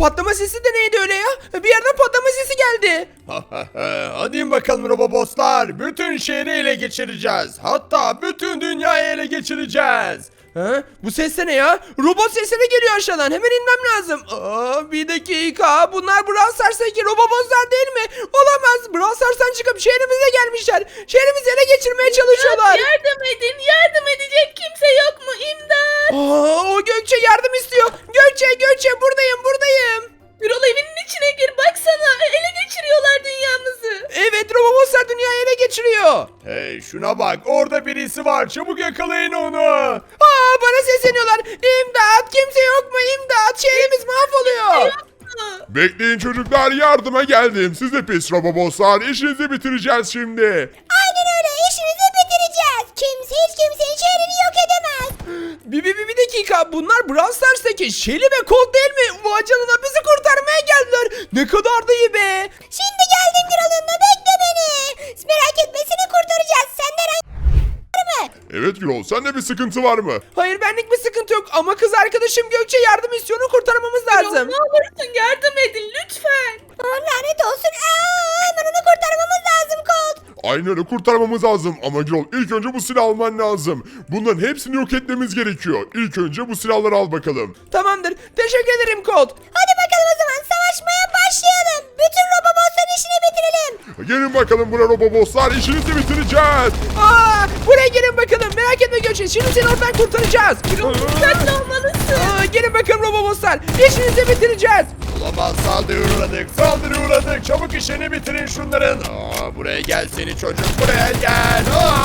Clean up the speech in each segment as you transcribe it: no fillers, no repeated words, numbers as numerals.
patlama sesi de neydi öyle ya? Bir yerden patlama sesi geldi. Hadi in bakalım Roboboslar. Bütün şehri ele geçireceğiz. Hatta bütün dünyayı ele geçireceğiz. Ha? Bu ses de ne ya? Robot sesleri geliyor aşağıdan. Hemen inmem lazım. Bir dakika. Bunlar Brawl Stars'taki robotlar değil mi? Olamaz. Brawl Stars'tan çıkıp şehrimize gelmişler. Şehrimizi ele geçirmeye çalışıyorlar. Yardım edin, yardım edecek kimse yok mu? İmdat! O Gökçe yardım istiyor. Gökçe buradayım. Birol evinin içine gir, baksana. Ele geçiriyorlar dünyamızı. Evet, robotlar dünyayı ele geçiriyor. Hey şuna bak, orada birisi var. Çabuk yakalayın onu. Bana sesleniyorlar. İmdat, kimse yok mu? İmdat, şehrimiz mahvoluyor. Bekleyin çocuklar, yardıma geldim. Siz de pis roboboslar, işinizi bitireceğiz şimdi. Aynen öyle, işinizi bitireceğiz. Kimse hiç kimsenin şehrini yok edemez. Bir dakika, bunlar Brawl Stars'taki Shelly ve Colt değil mi? Vay canına, bizi kurtarmaya geldiler. Ne kadar da iyi be. Şimdi geldim Gürol yanına, bekle beni. Merak etme, seni kurtaracağız. Senden var mı? Evet Gürol, sende bir sıkıntı var mı? Hayır, benlik bir sıkıntı yok ama kız arkadaşım Gökçe yardım istiyor, onu kurtarmamız lazım. Ne olursun yardım edin lütfen. Lanet olsun. Hemen onu kurtarmamız lazım Colt. Aynen öyle, kurtarmamız lazım. Ama Gürol, ilk önce bu silahı alman lazım. Bunların hepsini yok etmemiz gerekiyor. İlk önce bu silahları al bakalım. Tamamdır, teşekkür ederim Colt. Hadi bakalım o zaman, savaşmaya başlayalım. Bütün robobotların işini bitirelim. Gelin bakalım buraya roboboslar, işinizi bitireceğiz. Buraya gelin bakalım, merak etme Gökçe, şimdi seni oradan kurtaracağız. Dikkatli olmalısın. Gelin bakalım robotlar, işinizi bitireceğiz. Olamaz, saldırıya uğradık. Çabuk işini bitirin şunların. Buraya gel seni çocuk, buraya gel.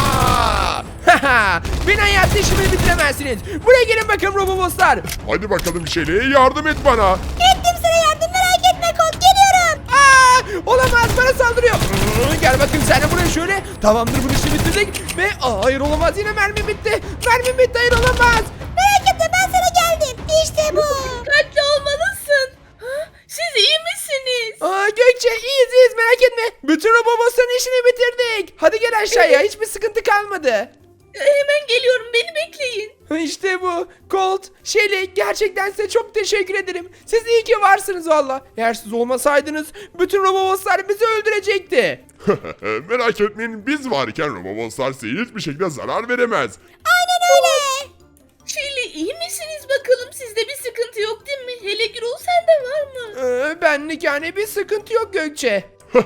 Beni hayatta işimi bitiremezsiniz. Buraya gelin bakalım robotlar. Hadi bakalım Şeli'ye yardım et bana. Ettim sana yardım, merak etme Colt, geliyorum. Olamaz, bana saldırıyor. Gel bakayım sen de buraya şöyle. Tamamdır, bu işi bitirdik. Ve hayır olamaz, yine mermi bitti. Hayır olamaz. Merak etme, ben sana geldim. İşte bu. Dikkatli olmalısın. Siz iyi misiniz? Gökçe iyiyiz, merak etme. Bütün robotların işini bitirdik. Hadi gel aşağıya, hiçbir sıkıntı kalmadı. Hemen geliyorum, beni bekleyin. İşte bu. Colt, Shelly, gerçekten size çok teşekkür ederim. Siz iyi ki varsınız valla. Eğer siz olmasaydınız bütün robotlar bizi öldürecekti. Merak etmeyin, biz varken roboboslar size hiçbir şekilde zarar veremez. Aynen öyle. Şeli iyi misiniz bakalım? Sizde bir sıkıntı yok değil mi? Hele Gürol sende var mı? Benlik yani bir sıkıntı yok Gökçe.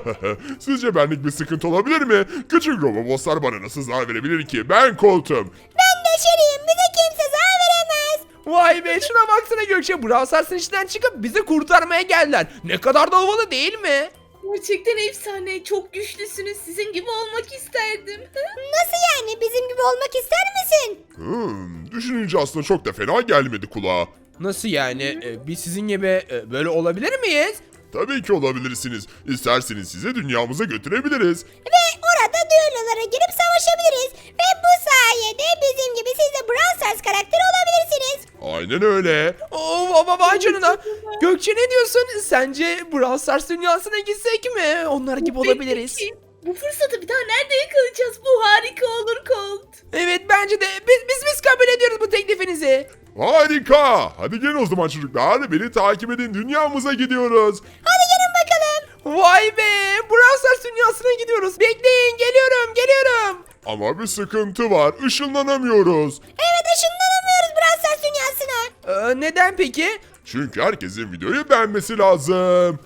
Sizce benlik bir sıkıntı olabilir mi? Küçük roboboslar bana nasıl zarar verebilir ki? Ben Colt'um. Ben de Şeriyim, bize kimse zarar veremez. Vay be, şuna baksana Gökçe. Brawl Stars'ın içinden çıkıp bizi kurtarmaya geldiler. Ne kadar da havalı değil mi? Gerçekten efsane. Çok güçlüsünüz. Sizin gibi olmak isterdim. Nasıl yani, bizim gibi olmak ister misin? Düşününce aslında çok da fena gelmedi kulağa. Nasıl yani? Biz sizin gibi böyle olabilir miyiz? Tabii ki olabilirsiniz. İsterseniz sizi dünyamıza götürebiliriz. Ve orada düellolara girip savaşabiliriz. Ve bu sayede bizim gibi siz de Brawl Stars karakteri olabilirsiniz. Aynen öyle. Vay canına. Gökçe ne diyorsun? Sence Brawl Stars dünyasına gitsek mi? Onlar gibi olabiliriz. Peki, bu fırsatı bir daha nerede yakalayacağız? Bu harika olur Colt. Evet, bence de biz kabul ediyoruz bu teklifinizi. Harika. Hadi gelin o zaman çocuklar. Beni takip edin. Dünyamıza gidiyoruz. Hadi gelin bakalım. Vay be, Brawl Stars dünyasına gidiyoruz. Bekleyin, geliyorum. Ama bir sıkıntı var. Işınlanamıyoruz. Evet, ışınlanamıyoruz Brawl Stars dünyasına. Neden peki? Çünkü herkesin videoyu beğenmesi lazım.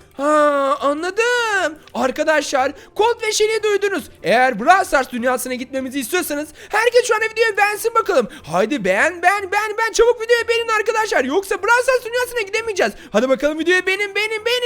Anladım. Arkadaşlar, Colt ve Shelly'i duydunuz. Eğer Brawl Stars dünyasına gitmemizi istiyorsanız herkes şu an videoyu beğensin bakalım. Haydi beğen. Çabuk videoyu beğenin arkadaşlar. Yoksa Brawl Stars dünyasına gidemeyeceğiz. Hadi bakalım, videoyu beğenin.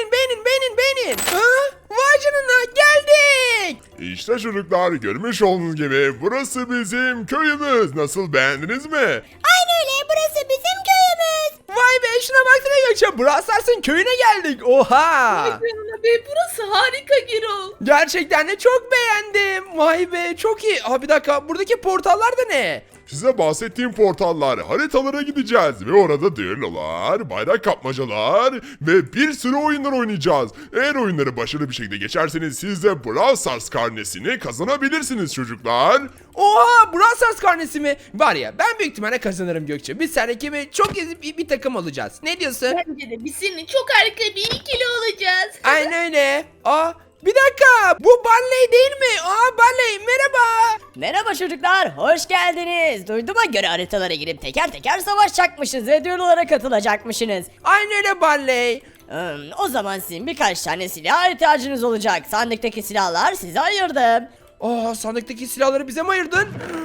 Vay canına, geldik. İşte çocuklar, görmüş olduğunuz gibi burası bizim köyümüz. Nasıl, beğendiniz mi? Aynen öyle, burası bizim köyümüz. Vay be, şuna baksana Gökçe. Brawl Stars'ın köyüne geldik. Oha. Vay canına be, burası harika Gürol. Gerçekten de çok beğendim. Vay be, çok iyi. Bir dakika, buradaki portallar da ne? Size bahsettiğim portallar, haritalara gideceğiz ve orada düellolar, bayrak kapmacalar ve bir sürü oyunlar oynayacağız. Eğer oyunları başarılı bir şekilde geçerseniz siz de Brawl Stars karnesini kazanabilirsiniz çocuklar. Oha, Brawl Stars karnesi mi? Var ya, ben büyük ihtimalle kazanırım Gökçe. Biz seninle gibi çok ezip bir takım olacağız. Ne diyorsun? Bence de biz seninle çok harika bir ikili olacağız. Aynen öyle. Bir dakika, bu Barley değil mi? Barley merhaba. Merhaba çocuklar, hoş geldiniz. Duyduğuma göre haritalara girip teker teker savaşacakmışız ve düellolara katılacakmışsınız. Aynen öyle Barley. O zaman sizin birkaç tane silah ihtiyacınız olacak. Sandıktaki silahlar size ayırdım. Sandıktaki silahları bize mi ayırdın?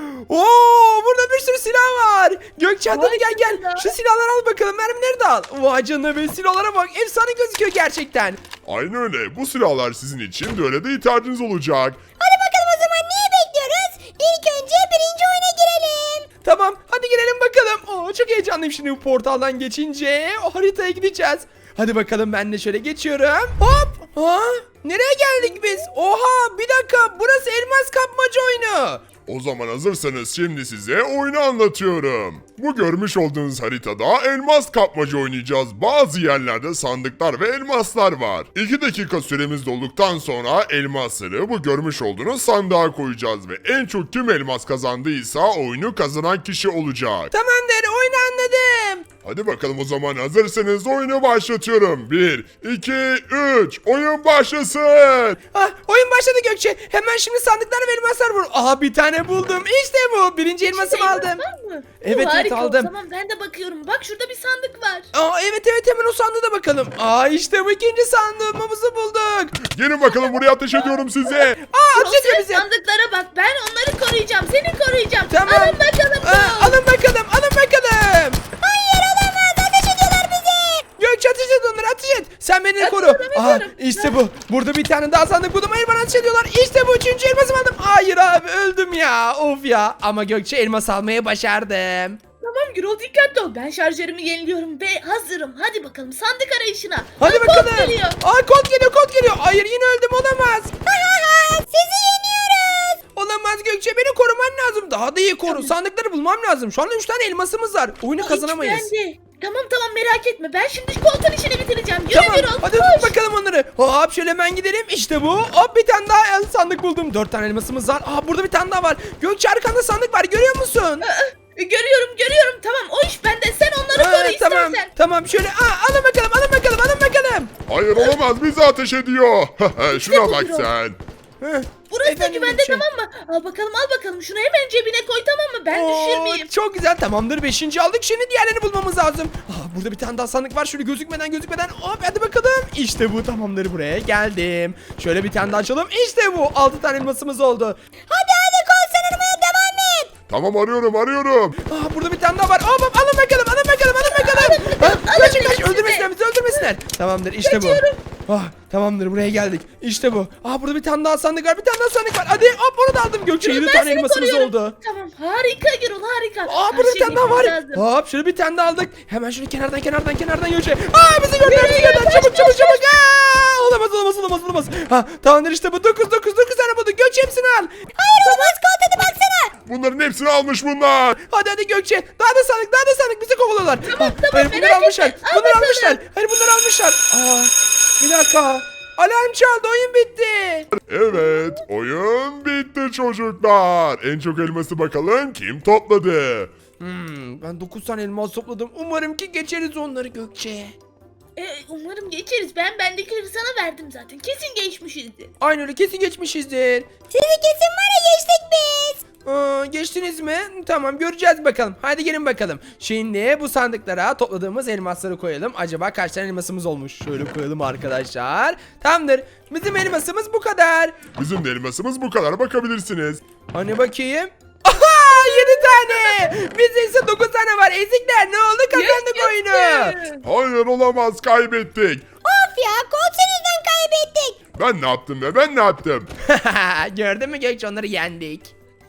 Burada bir sürü silah var. Gökçe hadi Vay gel gel. canına. Şu silahları al bakalım. Mermileri de al. Vay canına be, silahlara bak. Efsane gözüküyor gerçekten. Aynen öyle. Bu silahlar sizin için düelloda ihtiyacınız olacak. Hadi bakalım o zaman niye bekliyoruz? İlk önce birinci oyuna girelim. Tamam hadi girelim bakalım. Çok heyecanlıyım şimdi bu portaldan geçince. O haritaya gideceğiz. Hadi bakalım, ben de şöyle geçiyorum. Hop. Nereye geldik biz? Oha, bir dakika, burası elmas kapmaca oyunu. O zaman hazırsanız şimdi size oyunu anlatıyorum. Bu görmüş olduğunuz haritada elmas kapmaca oynayacağız. Bazı yerlerde sandıklar ve elmaslar var. 2 dakika süremiz dolduktan sonra elmasları bu görmüş olduğunuz sandığa koyacağız ve en çok kim elmas kazandıysa oyunu kazanan kişi olacak. Tamamdır, oyunu anladım. Hadi bakalım, o zaman hazırsanız oyunu başlatıyorum. 1, 2, 3, oyun başlasın. Oyun başladı Gökçe. Hemen şimdi sandıklar ve elmaslar vur. Bir tane buldum. İşte bu. Birinci elmasımı aldım. Var mı? Evet, Harika, aldım. Tamam ben de bakıyorum. Bak şurada bir sandık var. Evet hemen o sandığa da bakalım. İşte bu ikinci sandığımızı bulduk. Gelin bakalım, buraya ateş ediyorum size. Ateş ediyor bize. Sandıklara bak. Ben onları koruyacağım. Seni koruyacağım. Tamam. Alın bakalım. Alın bakalım. Hayır olamaz, ateş ediyorlar bizi. Gökçe ateş et onları, ateş et. Sen beni koru. ediyorum. İşte bu. Burada bir tane daha sandık buldum. Hayır, bana ateş ediyorlar. İşte bu üçüncü elmasımı aldım. Hayır abi, öldüm ya. Of ya. Ama Gökçe, elmas almayı başardım. Tamam Gürol, dikkatli ol. Ben şarjörümü yeniliyorum ve hazırım. Hadi bakalım sandık arayışına. Hadi Kod bakalım. geliyor. Kod geliyor. Hayır, yine öldüm, olamaz. Sizi yeniyoruz. Olamaz Gökçe, beni koruman lazım. Daha da iyi koru. Sandıkları bulmam lazım. Şu anda 3 tane elmasımız var. Oyunu kazanamayız. Bende. Tamam merak etme. Ben şimdi koltuğun işini bitireceğim. Yürü Tamam, Gürol, hadi koş. tut bakalım onları. Hop, şöyle hemen gidelim. İşte bu. Hop, bir tane daha sandık buldum. 4 tane elmasımız var. Burada bir tane daha var. Gökçe, arkanda sandık var, görüyor musun? Görüyorum. Tamam, o iş bende. Sen onları koru Tamam, istersen. tamam. Şöyle alın bakalım. Hayır olamaz, bizi ateş ediyor. Şuna bu bak Gürol. sen. Burası da Efendim güvende, Gökçe. tamam mı? Al bakalım. Şunu hemen cebine koy, tamam mı? Ben düşürmeyeyim. Çok güzel, tamamdır. 5. aldık. Şimdi diğerlerini bulmamız lazım. Burada bir tane daha sandık var. Şöyle gözükmeden. Hop, hadi bakalım. İşte bu, tamamdır, buraya geldim. Şöyle bir tane daha açalım. İşte bu. 6 tane elmasımız oldu. Hadi kol aramaya devam et. Tamam, arıyorum. Burada bir tane daha var. Hop, alın bakalım. Kaç, öldürmesinler. Tamamdır, işte bu. Tamamdır, buraya geldik. İşte bu. Burada bir tane daha sandık var. Hadi hop, onu da aldım Gökçe. Gürol, 7 ben tane seni elmasımız koruyorum. oldu. Tamam, harika Gürol, harika. Her Burada bir şeyi tane daha var. yapmam lazım. Hop, şöyle bir tane daha aldık. Hemen şöyle kenardan Gökçe. Bizi gördüler. Yürü, Çabuk. Olamaz. Tamamdır, işte bu. 9 tane bulduk. Gökçe, hepsini al. Hayır olamaz, kol hadi baksana. Bunların hepsini almış bunlar. Hadi Gökçe. Daha da sandık. Bizi kovalıyorlar. Hayır, bunları merak almışlar. etme. Al bakalım. Hayır, bunları almışlar. Bir dakika. Alarm çaldı. Oyun bitti. Evet, oyun bitti çocuklar. En çok elması bakalım kim topladı? Ben 9 tane elmas topladım. Umarım ki geçeriz onları Gökçe. Umarım geçeriz. Ben bendekileri sana verdim zaten. Kesin geçmişizdir. Aynı öyle, kesin geçmişizdir. Sizi kesin var ya, geçtik biz. Geçtiniz mi? Tamam, göreceğiz bakalım. Haydi gelin bakalım. Şimdi bu sandıklara topladığımız elmasları koyalım. Acaba kaç tane elmasımız olmuş? Şöyle koyalım arkadaşlar. Tamamdır. Bizim elmasımız bu kadar. Bizim de elmasımız bu kadar, bakabilirsiniz. Hani bakayım. Aha, 7 tane. Bizde ise 9 tane var. Ezikler, ne oldu? Kazandık oyunu. Hayır olamaz, kaybettik. Of ya, kol yüzünden kaybettik. Ben ne yaptım? Gördün mü Gökçe, onları yendik.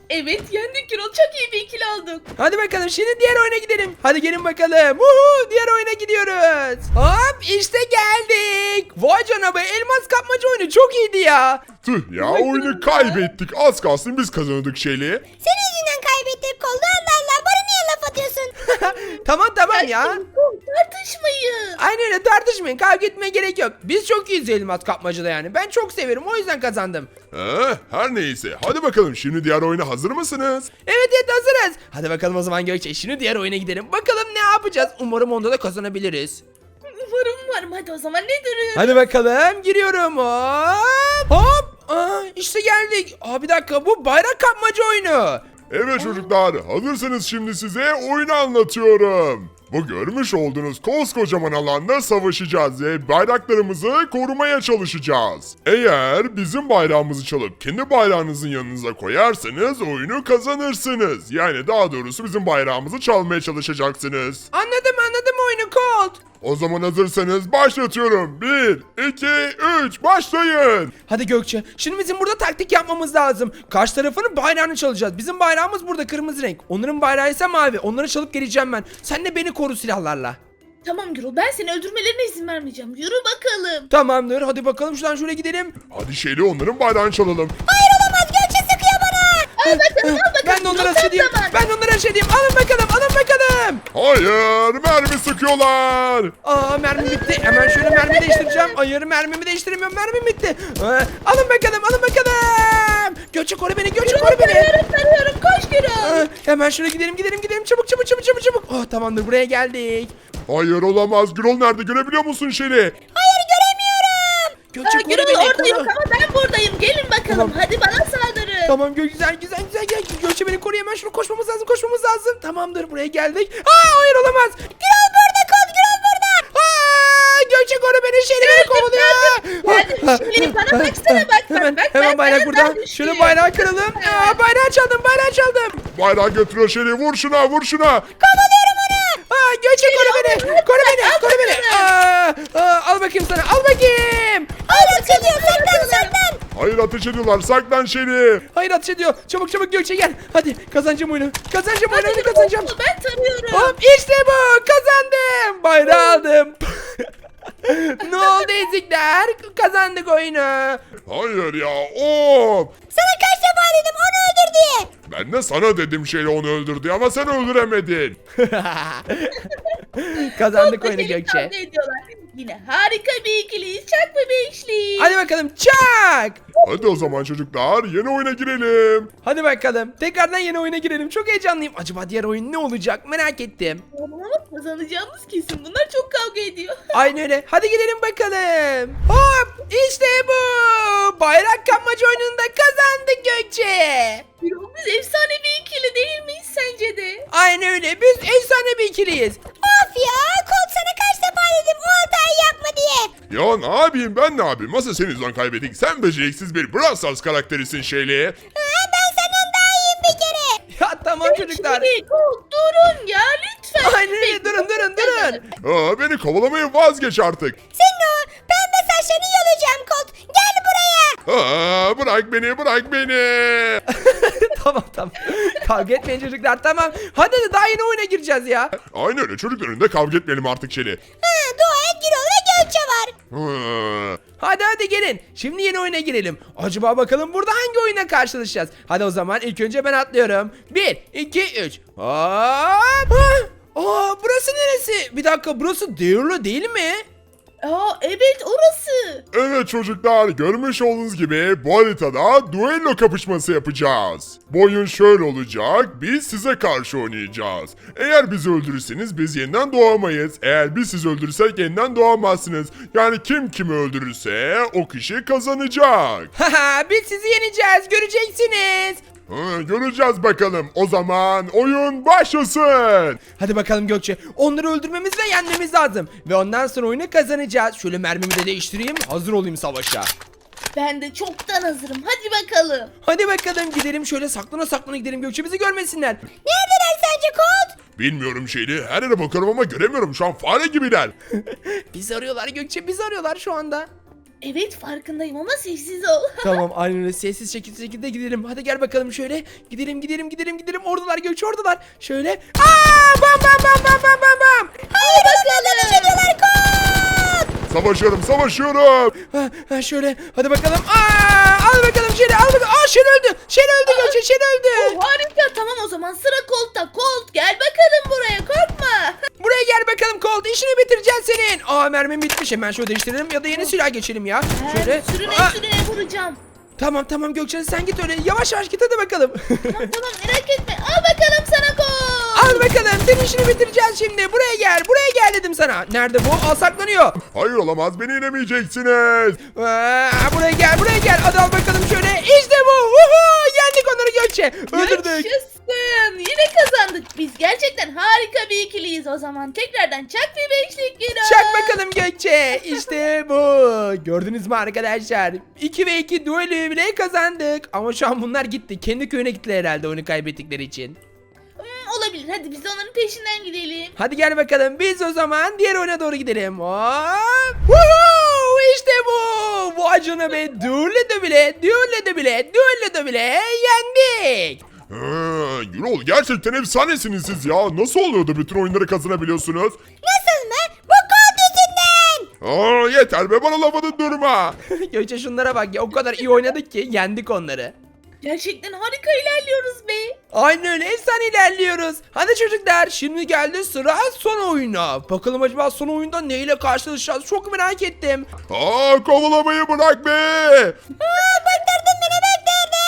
Evet yendik Gürol, çok iyi bir ikili olduk. Hadi bakalım şimdi diğer oyuna gidelim. Hadi gelin bakalım. Uhu, diğer oyuna gidiyoruz. Hop işte geldik. Vay canına be, elmas kapmaca oyunu çok iyiydi ya. Tüh ya, oyunu kaybettik. Az kalsın biz kazanırdık şeyli. Senin yüzünden kaybettik koldu. Allah Allah, bana niye laf atıyorsun? Tamam ya. Tartışmayın. Aynen öyle, tartışmayın, kavga etmeye gerek yok. Biz çok iyiyiz elmas kapmacada yani. Ben çok severim, o yüzden kazandım. Her neyse. Hadi bakalım, şimdi diğer oyuna hazır mısınız? Evet hazırız. Hadi bakalım o zaman Gökçe, şimdi diğer oyuna gidelim. Bakalım ne yapacağız. Umarım onda da kazanabiliriz. Umarım. Hadi o zaman ne duruyor? Hadi bakalım, giriyorum. Hop. İşte geldik. Bir dakika, bu bayrak kapmaca oyunu. Evet çocuklar, hazırsanız şimdi size oyunu anlatıyorum. Bu görmüş olduğunuz koskocaman alanda savaşacağız ve bayraklarımızı korumaya çalışacağız. Eğer bizim bayrağımızı çalıp kendi bayrağınızın yanınıza koyarsanız oyunu kazanırsınız. Yani daha doğrusu bizim bayrağımızı çalmaya çalışacaksınız. Anladım oyunu Colt. O zaman hazırsanız başlatıyorum. 1, 2, 3 başlayın. Hadi Gökçe, şimdi bizim burada taktik yapmamız lazım. Karşı tarafının bayrağını çalacağız. Bizim bayrağımız burada kırmızı renk. Onların bayrağı ise mavi. Onları çalıp geleceğim ben. Sen de beni koru silahlarla. Tamam Gürol, ben seni öldürmelerine izin vermeyeceğim. Yürü bakalım. Tamamdır, hadi bakalım şuradan şöyle gidelim. Hadi şeyli onların bayrağını çalalım. Hayır olamaz, Gökçe sıkıyor bana. Al bakalım. Ben de onlara Gürol, ateş edeyim. zaman. Ben de onlara ateş edeyim. Alın bakalım. Hayır, mermi sıkıyorlar. Mermim bitti. Hemen şöyle mermi değiştireceğim. Hayır, mermimi değiştiremiyorum. Mermim bitti. Alın bakalım. Gökçe koru beni. Tarıyorum. Koş Gürol. Hemen şöyle gidelim. Çabuk. Tamamdır, buraya geldik. Hayır, olamaz. Gürol nerede, görebiliyor musun şeyli? Hayır, göremiyorum. Gökçe koru Gürol beni. orada yok koru. ama ben buradayım. Gelin bakalım. Tamam. Hadi bana saldırın. Tamam güzel. Gel. Gökçe beni koru, hemen şunu koşmamız lazım. Tamamdır, buraya geldik. Hayır olamaz. Gürol burada, Colt Gürol burada. Gökçe koru beni, şeyle beni kovalıyor. Geldim. Şimdi bana baksana bak. Hemen bayrak burada. Şöyle bayrağı kıralım. Bayrağı çaldım. Bayrağı götürüyor şeyli, vur şuna. Kovalıyorum onu. Gökçe koru beni. Al bakayım sana. Hayır, atıyor, saklan. Hayır, ateş ediyorlar, saklan şeyli. Hayır, ateş ediyor. Çabuk Gökçe gel. Hadi kazanacağım oyunu. Hadi Gürol, Kazanacağım. Ben tarıyorum. Hop işte bu. Kazandım. Bayrağı aldım. Ne oldu ezikler? Kazandık oyunu. Hayır ya, of. Sana kaç defa dedim onu öldür diye. Ben de sana dedim şeyle onu öldürdü ama sen öldüremedin. Kazandık oyunu Bakalım Gökçe. kavga ediyorlar. Yine harika bir ikiliyiz. Çak bir beşli. Hadi bakalım çak. Hadi o zaman çocuklar, yeni oyuna girelim. Hadi bakalım. Tekrardan yeni oyuna girelim. Çok heyecanlıyım. Acaba diğer oyun ne olacak? Merak ettim. Ama kazanacağımız kesin. Bunlar çok kavga ediyor. Aynen öyle. Hadi gidelim bakalım. Hop işte bu. Bayrak kapmaca oyununda kazandık Gökçe. Gürol, biz efsane bir ikili değil miyiz sence de? Aynen öyle. Biz efsane bir ikiliyiz. Of ya, Colt sana kaç defa dedim o hatayı yapma diye. Ya ne yapayım, ben ne yapayım? Nasıl senin yüzünden kaybettik? Sen beceriksiz bir Brawl Stars karakterisin şeyli. Ben senden daha iyiyim bir kere. Ya tamam çocuklar. Şimdi durun ya lütfen. Aynen öyle. Durun. Beni kovalamayı vazgeç artık. Senin o pembe saçlarını yolacağım Colt. Gel buraya. Bırak beni. Tamam. Kavga etmeyin çocuklar, tamam. Hadi daha yeni oyuna gireceğiz ya. Aynen öyle, çocuklar önünde kavga etmeyelim artık şeyli. Dua et, Gürol ve Gökçe var. Hadi gelin. Şimdi yeni oyuna girelim. Acaba bakalım burada hangi oyuna karşılaşacağız? Hadi o zaman ilk önce ben atlıyorum. 1, 2, 3. Burası neresi? Bir dakika, burası Deirlo değil mi? Evet orası. Evet çocuklar, görmüş olduğunuz gibi bu haritada duello kapışması yapacağız. Bu oyun şöyle olacak, biz size karşı oynayacağız. Eğer bizi öldürürseniz biz yeniden doğamayız. Eğer biz sizi öldürürsek yeniden doğamazsınız. Yani kim kimi öldürürse o kişi kazanacak. Haha, biz sizi yeneceğiz, göreceksiniz. Göreceğiz bakalım. O zaman oyun başlasın. Hadi bakalım Gökçe. Onları öldürmemiz ve yenmemiz lazım. Ve ondan sonra oyunu kazanacağız. Şöyle mermimi de değiştireyim. Hazır olayım savaşa. Ben de çoktan hazırım. Hadi bakalım. Hadi bakalım gidelim, şöyle saklana gidelim Gökçe, bizi görmesinler. Neredeler sence Colt? Bilmiyorum şeyli, her yere bakıyorum ama göremiyorum, şu an fare gibiler. Bizi arıyorlar Gökçe, bizi arıyorlar şu anda. Evet farkındayım ama sessiz ol. Tamam aynen öyle sessiz şekilde gidelim. Hadi gel bakalım şöyle. Gidelim. Oradalar Gökçe oradalar. Şöyle. Aa bam bam bam bam bam bam bam. Hayır onlardan iş ediyorlar koç. Savaşıyorum. Şöyle hadi bakalım. Al bakalım Şeli al bakalım. Şeli öldü. Şeli öldü Gökçe Şeli öldü. Harika tamam o zaman sıra Colt'ta. Colt gel bakalım buraya korkma. Buraya gel bakalım Colt işini bitireceğiz senin. Mermim bitmiş hemen şöyle değiştirelim ya da yeni silah geçelim ya. Şöyle. Sürüne vuracağım. Tamam Gökçe sen git öyle yavaş git hadi bakalım. Tamam merak etme. Al bakalım sana Colt. Al bakalım senin işini bitireceğiz şimdi. Buraya gel dedim sana. Nerede bu? Saklanıyor. Hayır olamaz, beni yenemeyeceksiniz. Buraya gel. Hadi al bakalım şöyle. İşte bu. Yendik onları Gökçe. Öldürdük. Yaşasın. Yine kazandık. Biz gerçekten harika bir ikiliyiz o zaman. Tekrardan çak bir beşlik gir. Çak bakalım Gökçe. İşte bu. Gördünüz mü arkadaşlar? 2 ve 2 duelü bile kazandık. Ama şu an bunlar gitti. Kendi köyüne gittiler herhalde oyunu kaybettikleri için. Olabilir. Hadi biz de onların peşinden gidelim. Hadi gel bakalım. Biz o zaman diğer oyuna doğru gidelim. Hop. Woohoo! İşte bu. Vay canına be. Duello de bile yendik. Gürol, gerçekten efsanesiniz siz ya. Nasıl oluyor da bütün oyunları kazanabiliyorsunuz? Nasıl mı? Bu koç yüzünden. Yeter be, bana lafını durma. Gökçe şunlara bak ya. O kadar iyi oynadık ki yendik onları. Gerçekten harika ilerliyoruz be. Aynen öyle efsane ilerliyoruz. Hadi çocuklar şimdi geldi sıra son oyuna. Bakalım acaba son oyunda neyle karşılaşacağız çok merak ettim. Kovalamayı bırak be. Bıktırdın beni bıktırdın.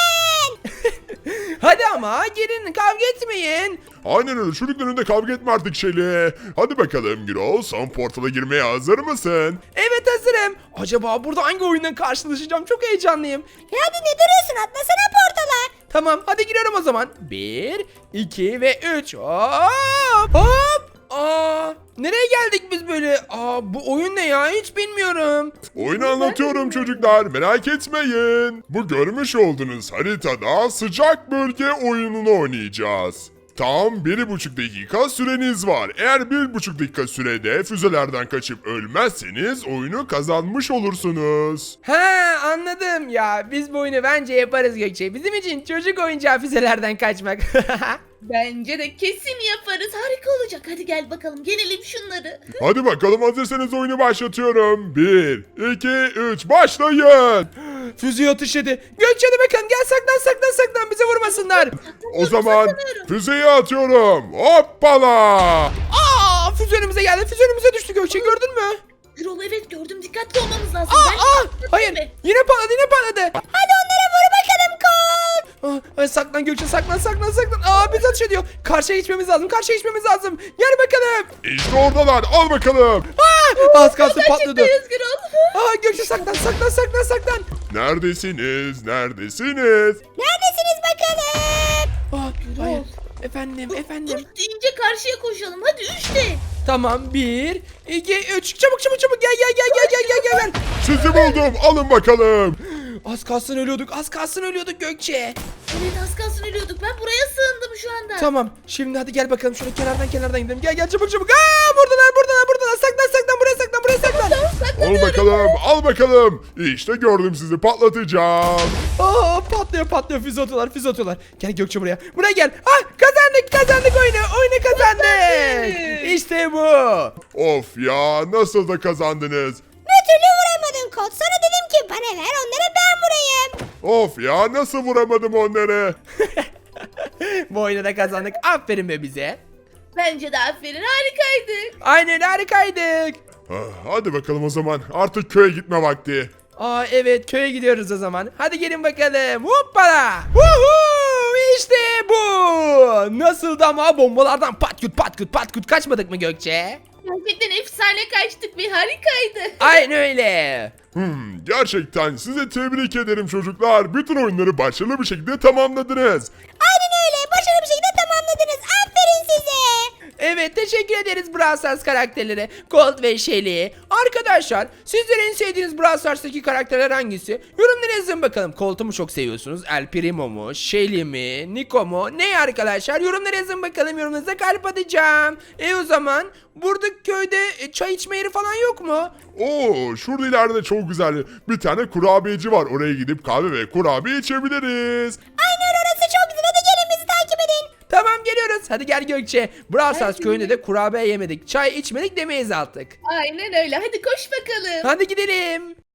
Hadi ama gelin kavga etmeyin. Aynen öyle, çocukların önünde kavga etme artık Şeli. Hadi bakalım Gürol, son portala girmeye hazır mısın? Evet hazırım. Acaba burada hangi oyundan karşılaşacağım çok heyecanlıyım. Hadi ne duruyorsun atlasana portala. Tamam hadi giriyorum o zaman. 1, 2 ve 3. Hop. Nereye geldik biz böyle? Bu oyun ne ya hiç bilmiyorum. Oyunu anlatıyorum çocuklar, merak etmeyin. Bu görmüş olduğunuz haritada sıcak bölge oyununu oynayacağız. Tam 1,5 dakika süreniz var. Eğer 1,5 dakika sürede füzelerden kaçıp ölmezseniz oyunu kazanmış olursunuz. Anladım ya biz bu oyunu bence yaparız Gökçe. Bizim için çocuk oyuncağı füzelerden kaçmak. Bence de kesin yaparız. Harika olacak. Hadi gel bakalım. Gelelim şunları. Hadi bakalım, hazırsanız oyunu başlatıyorum. 1, 2, 3 başlayın. Füzeyi ateş etti. Gökçe hadi bakalım gel saklan bize vurmasınlar. O zaman füzeyi atıyorum. Hoppala. Füze önümüze geldi. Füze önümüze düştü Gökçe gördün mü? Gürol evet gördüm. Dikkatli olmamız lazım. Hayır. Yine patladı. Hadi onlara vur bakalım koç. Saklan Gökçe saklan. Biz ateş ediyor. Karşıya geçmemiz lazım. Gel bakalım. İşte oradalar, al bakalım. Az kalsın patladı. Çıktayız Gürol. Gökçe saklan. Neredesiniz? Neredesiniz bakalım? Hayır. Efendim. Üç deyince karşıya koşalım. Hadi 3'te. Tamam 1, 2, 3. Çabuk gel. Sizi buldum, alın bakalım. Az kalsın ölüyorduk Gökçe. Evet az kalsın ölüyorduk. Ben buraya sığındım şu anda. Tamam şimdi hadi gel bakalım şöyle kenardan gidelim. Gel çabuk. Buradalar. Saklan buraya saklan. Al bakalım. İşte gördüm, sizi patlatacağım. Patlıyor füze atıyorlar. Gel Gökçe buraya gel. Kazandık oyunu kazandık. İşte bu. Of ya, nasıl da kazandınız? Bir türlü vuramadın koç. Sana dedim ki bana ver onlara ben vurayım. Of ya, nasıl vuramadım onları? Bu oyunu da kazandık. Aferin be bize. Bence de aferin. Harikaydık. Aynen harikaydık. Hadi bakalım o zaman, artık köye gitme vakti. Evet köye gidiyoruz o zaman. Hadi gelin bakalım. Hoppala. İşte bu. Nasıldı ama bombalardan pat küt kaçmadık mı Gökçe? Gerçekten efsane kaçtık ve harikaydı. Aynen öyle. Gerçekten size tebrik ederim çocuklar. Bütün oyunları başarılı bir şekilde tamamladınız. Aynen öyle. Başarılı bir şekilde tamamladınız. Aferin size. Evet, teşekkür ederiz Brawl Stars karakterlere. Colt ve Shelly. Arkadaşlar, sizlerin en sevdiğiniz Brawl Stars'taki karakterler hangisi? Yorumlara yazın bakalım. Colt'u mu çok seviyorsunuz? El Primo mu? Shelly mi? Nico mu? Ne arkadaşlar? Yorumlara yazın bakalım. Yorumlarınıza kalp atacağım. O zaman buradaki köyde çay içme yeri falan yok mu? Oo, şurada ileride çok güzel bir tane kurabiyeci var. Oraya gidip kahve ve kurabiye içebiliriz. Aynen, orası çok güzel. Hadi gelin bizi takip edin. Tamam, geliyoruz. Hadi gel Gökçe. Brawl Stars köyünde de kurabiye yemedik, çay içmedik demeyiz artık. Aynen öyle. Hadi koş bakalım. Hadi gidelim.